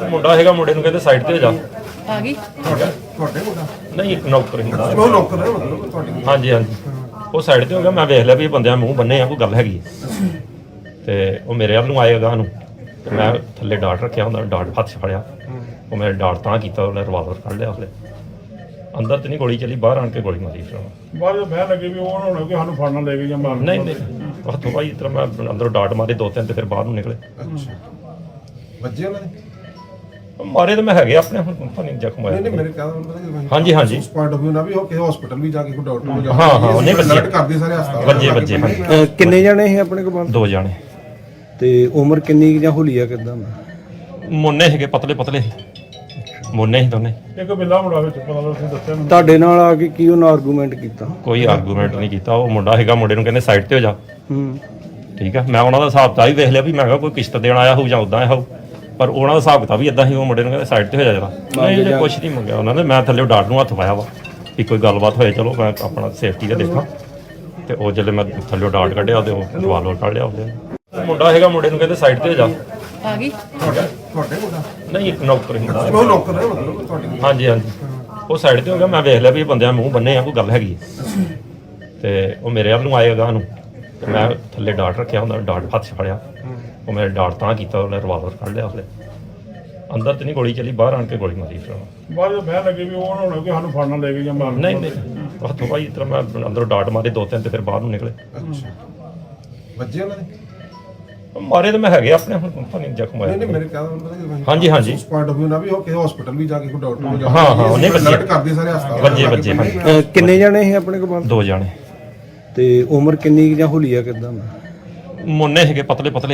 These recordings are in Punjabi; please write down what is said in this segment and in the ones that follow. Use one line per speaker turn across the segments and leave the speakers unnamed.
ਮੁੰਡਾ ਹੈਗਾ, ਮੁੰਡੇ ਨੂੰ ਕਹਿੰਦੇ ਸਾਈਡ ਤੇ ਹੋ ਜਾ।
ਆ ਗਈ
ਤੁਹਾਡੇ ਮੁੰਡਾ
ਨਹੀਂ, ਇੱਕ ਨੌਕਰ ਹੁੰਦਾ।
ਉਹ ਨੌਕਰ ਹੈ ਮਤਲਬ ਤੁਹਾਡੀ।
ਹਾਂਜੀ ਹਾਂਜੀ, ਉਹ ਸਾਈਡ ਤੇ ਹੋ ਗਿਆ। ਮੈਂ ਵੇਖ ਲਿਆ ਵੀ ਇਹ ਬੰਦਿਆਂ ਮੂੰਹ ਬੰਨੇ ਆ, ਕੋਈ ਗੱਲ ਹੈਗੀ ਹੈ। ਤੇ ਉਹ ਮੇਰੇ ਵੱਲ ਨੂੰ ਆਏਗਾ ਨੂੰ, ਤੇ ਮੈਂ ਥੱਲੇ ਡਾਟ ਰੱਖਿਆ ਹੁੰਦਾ, ਡਾਟ ਹੱਥ 'ਚ ਫੜਿਆ। ਉਹ ਮੈਂ ਡਾਟ ਤਾਂ ਕੀਤਾ, ਉਹਨੇ ਰਿਵਾਲਵਰ ਕੱਢ ਲਿਆ। ਉਹਨੇ ਅੰਦਰ ਤੇ ਨਹੀਂ ਗੋਲੀ ਚੱਲੀ, ਬਾਹਰ ਆਣ ਕੇ ਗੋਲੀ ਮਾਰੀ ਫਿਰ ਉਹਨੇ।
ਬਾਅਦ ਵਿੱਚ ਬਹਿ ਲੱਗੇ ਵੀ ਉਹ ਨਾ ਹੋਣਾ ਕਿ ਸਾਨੂੰ ਫੜਨਾ ਲੈ ਕੇ ਜਾਂ ਮਾਰਨ।
ਨਹੀਂ ਨਹੀਂ, ਹੱਥੋਂ ਭਾਈ ਇਸ ਤਰ੍ਹਾਂ ਮੈਂ ਅੰਦਰੋਂ ਡਾਟ ਮਾਰੇ ਦੋ ਤਿੰਨ, ਤੇ ਫਿਰ ਬਾਹਰ ਨੂੰ ਨਿਕਲੇ।
ਅੱਛਾ, ਵੱਜੇ ਉਹਨਾਂ ਦੇ?
ਮਾਰੇ ਤਾਂ ਮੈਂ ਹੈਗੇ ਆਪਣੇ, ਹੁਣ ਪਤਾ ਨਹੀਂ ਜ਼ਖਮ
ਨਹੀਂ
ਆਇਆ।
ਨਹੀਂ, ਮੇਰੇ ਕਹਿੰਦਾ ਹੁੰਦਾ ਕਿ
ਹਾਂਜੀ ਹਾਂਜੀ,
ਉਸ ਪੁਆਇੰਟ ਆਫ ਵਿਊ ਨਾਲ ਵੀ ਉਹ ਕਿਸੇ ਹਸਪੀਟਲ ਵੀ ਜਾ ਕੇ ਕੋਈ ਡਾਕਟਰ ਨੂੰ ਜਾ
ਹਾਂ, ਹਾਂ, ਉਹਨੇ ਵੱਜੇ।
alert ਕਰਦੇ ਸਾਰੇ ਹਸਪਤਾਲ
ਵੱਜੇ ਹਾਂਜੀ,
ਕਿੰਨੇ ਜਾਣੇ ਸੀ ਆਪਣੇ ਕੋਲ?
ਦੋ ਜਾਣੇ।
ਤੇ ਉਮਰ ਕਿੰਨੀ ਕੁ ਜਾਂ ਹੁਲੀਆ ਕਿਦਾਂ?
ਮੁੰਨੇ ਹੈਗੇ, ਪਤਲੇ ਪਤਲੇ ਮੁੰਨੇ ਸੀ ਦੋਨੇ।
ਇੱਕ ਬਿੱਲਾ ਮੁੰਡਾ ਵਿੱਚ ਪਤਾ ਲੱਗ ਤੁਸੀਂ ਦੱਸਿਆ ਮੈਨੂੰ।
ਤੁਹਾਡੇ ਨਾਲ ਆ ਕੇ ਕੀ ਉਹਨਾਂ ਆਰਗੂਮੈਂਟ ਕੀਤਾ?
ਕੋਈ ਆਰਗੂਮੈਂਟ ਨਹੀਂ ਕੀਤਾ। ਉਹ ਮੁੰਡਾ ਹੈਗਾ, ਮੁੰਡੇ ਨੂੰ ਕਹਿੰਦੇ ਸਾਈਡ ਤੇ ਹੋ ਜਾ।
ਹੂੰ,
ਠੀਕ ਆ, ਮੈਂ ਉਹਨਾਂ ਦਾ ਹਿਸਾਬ ਤਾਂ ਹੀ ਵੇਖ ਲਿਆ ਵੀ ਮੈਂ ਕਿਹਾ ਕੋਈ ਕਿਸ਼ਤ ਦੇਣ ਆਇਆ ਹੋਊ ਜਾਂ ਉਦਾਂ ਆਇਆ ਹੋਊ, ਪਰ ਉਹਨਾਂ ਦਾ ਹਿਸਾਬ ਤਾਂ ਵੀ ਇਦਾਂ ਹੀ। ਉਹ ਮੁੰਡੇ ਨੂੰ ਕਹਿੰਦੇ ਸਾਈਡ ਤੇ ਹੋ ਜਾ ਜਰਾ। ਨਹੀਂ ਜੇ ਕੁਛ ਨਹੀਂ ਮੰਗਿਆ ਉਹਨਾਂ ਨੇ। ਮੈਂ ਥੱਲੇ ਡਾਟ ਨੂੰ ਹੱਥ ਪਾਇਆ ਵਾ ਵੀ ਕੋਈ ਗੱਲਬਾਤ ਹੋਏ, ਚਲੋ ਮੈਂ ਆਪਣਾ ਸੇਫਟੀ ਦਾ ਦੇਖਾਂ। ਤੇ ਉਹ ਜਦੋਂ ਮੈਂ ਥੱਲੇ ਡਾਟ ਕੱਢਿਆ ਤੇ ਉਹ ਰਿਵਾਲਵਰ ਕੱਢ ਲਿਆ ਉਹਦੇ। ਮੁੰਡਾ ਹੈਗਾ, ਮੁੰਡੇ ਨੂੰ ਕਹਿੰਦੇ ਸਾਈਡ ਤੇ ਹੋ ਜਾ।
ਆ ਗਈ
ਤੁਹਾਡੇ ਮੁੰਡਾ?
ਨਹੀਂ, ਇੱਕ ਨੌਕਰ ਹੁੰਦਾ।
ਉਹ ਨੌਕਰ ਹੈ ਮਤਲਬ ਤੁਹਾਡੀ।
ਹਾਂਜੀ ਹਾਂਜੀ, ਉਹ ਸਾਈਡ ਤੇ ਹੋ ਗਿਆ। ਮੈਂ ਵੇਖ ਲਿਆ ਵੀ ਇਹ ਬੰਦਿਆਂ ਮੂੰਹ ਬੰਨੇ ਆ, ਕੋਈ ਗੱਲ ਹੈਗੀ ਹੈ। ਤੇ ਉਹ ਮੇਰੇ ਵੱਲ ਨੂੰ ਆਏਗਾ ਨੂੰ, ਤੇ ਮੈਂ ਥੱਲੇ ਡਾਟ ਰੱਖਿਆ ਹੁੰਦਾ, ਡਾਟ ਹੱਥ 'ਚ ਫੜਿਆ। ਉਹ ਮੈਂ ਡਾਟ ਤਾਂ ਕੀਤਾ, ਉਹਨੇ ਰਿਵਾਲਵਰ ਕੱਢ ਲਿਆ ਉਹਦੇ। ਅੰਦਰ ਤੇ ਨਹੀਂ ਗੋਲੀ ਚੱਲੀ, ਬਾਹਰ ਆਣ ਕੇ ਗੋਲੀ ਮਾਰੀ ਫਿਰ ਉਹਨੇ।
ਬਾਅਦ ਵਿੱਚ ਬਹਿ ਲੱਗੇ ਵੀ ਉਹ ਨਾ ਹੋਣਾ ਕਿ ਸਾਨੂੰ ਫੜਨਾ ਲੈ ਕੇ ਜਾਂ ਮਾਰਨ।
ਨਹੀਂ ਨਹੀਂ, ਹੱਥੋਂ ਭਾਈ ਇਸ ਤਰ੍ਹਾਂ ਮੈਂ ਅੰਦਰੋਂ ਡਾਟ ਮਾਰੇ ਦੋ ਤਿੰਨ, ਤੇ ਫਿਰ ਬਾਹਰ ਨੂੰ ਨਿਕਲੇ।
ਅੱਛਾ, ਵੱਜੇ ਉਹਨਾਂ ਦੇ?
ਮਾਰੇ ਤਾਂ ਮੈਂ ਹੈਗੇ ਆਪਣੇ, ਹੁਣ ਪਤਾ ਨਹੀਂ ਜ਼ਖਮ ਆਇਆ।
ਨਹੀਂ ਨਹੀਂ, ਮੇਰੇ ਕਹਿੰਦਾ ਹੁੰਦਾ ਕਿ
ਹਾਂਜੀ ਹਾਂਜੀ,
ਉਸ ਪੁਆਇੰਟ ਆਫ ਵਿਊ ਨਾਲ ਵੀ ਉਹ ਕਿਸੇ ਹਸਪੀਟਲ ਵੀ ਜਾ ਕੇ ਕੋਈ ਡਾਕਟਰ ਨੂੰ ਜਾ
ਹਾਂ, ਹਾਂ, ਉਹਨੇ ਵੱਜੇ।
alert ਕਰਦੇ ਸਾਰੇ ਹਸਪਤਾਲ
ਵੱਜੇ ਹਾਂਜੀ,
ਕਿੰਨੇ ਜਾਣੇ ਸੀ ਆਪਣੇ ਕੋਲ?
ਦੋ ਜਾਣੇ।
ਤੇ ਉਮਰ ਕਿੰਨੀ ਕੁ ਜਾਂ ਹੁਲੀਆ ਕਿਦਾਂ?
ਮੁੰਨੇ ਹੈਗੇ, ਪਤਲੇ ਪਤਲੇ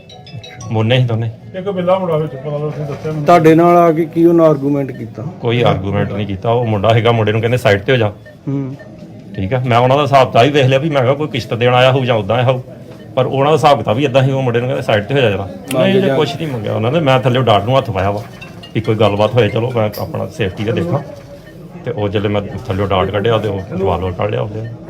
ਮੁੰਨੇ ਸੀ ਦੋਨੇ।
ਇੱਕ ਬਿੱਲਾ ਮੁੰਡਾ ਵਿੱਚ ਪਤਾ ਲੱਗ ਤੁਸੀਂ ਦੱਸਿਆ ਮੈਨੂੰ।
ਤੁਹਾਡੇ ਨਾਲ ਆ ਕੇ ਕੀ ਉਹਨਾਂ ਆਰਗੂਮੈਂਟ ਕੀਤਾ?
ਕੋਈ ਆਰਗੂਮੈਂਟ ਨਹੀਂ ਕੀਤਾ। ਉਹ ਮੁੰਡਾ ਹੈਗਾ, ਮੁੰਡੇ ਨੂੰ ਕਹਿੰਦੇ ਸਾਈਡ ਤੇ ਹੋ ਜਾ।
ਹੂੰ,
ਠੀਕ ਆ, ਮੈਂ ਉਹਨਾਂ ਦਾ ਹਿਸਾਬ ਤਾਂ ਹੀ ਵੇਖ ਲਿਆ ਵੀ ਮੈਂ ਕਿਹਾ ਕੋਈ ਕਿਸ਼ਤ ਦੇਣ ਆਇਆ ਹੋਊ ਜਾਂ ਉਦਾਂ ਆਇਆ ਹੋਊ, ਪਰ ਉਹਨਾਂ ਦਾ ਹਿਸਾਬ ਤਾਂ ਵੀ ਇਦਾਂ ਹੀ। ਉਹ ਮੁੰਡੇ ਨੂੰ ਕਹਿੰਦੇ ਸਾਈਡ ਤੇ ਹੋ ਜਾ ਜਰਾ। ਨਹੀਂ ਜੇ ਕੁਛ ਨਹੀਂ ਮੰਗਿਆ ਉਹਨਾਂ ਨੇ। ਮੈਂ ਥੱਲੇ ਡਾਟ ਨੂੰ ਹੱਥ ਪਾਇਆ ਵਾ ਵੀ ਕੋਈ ਗੱਲਬਾਤ ਹੋਏ, ਚਲੋ ਮੈਂ ਆਪਣਾ ਸੇਫਟੀ ਦਾ ਦੇਖਾਂ। ਤੇ ਉਹ ਜਦੋਂ ਮੈਂ ਥੱਲੇ ਡਾਟ ਕੱਢਿਆ ਤੇ ਉਹ ਰਿਵਾਲਵਰ ਕੱਢ ਲਿਆ ਉਹਦੇ।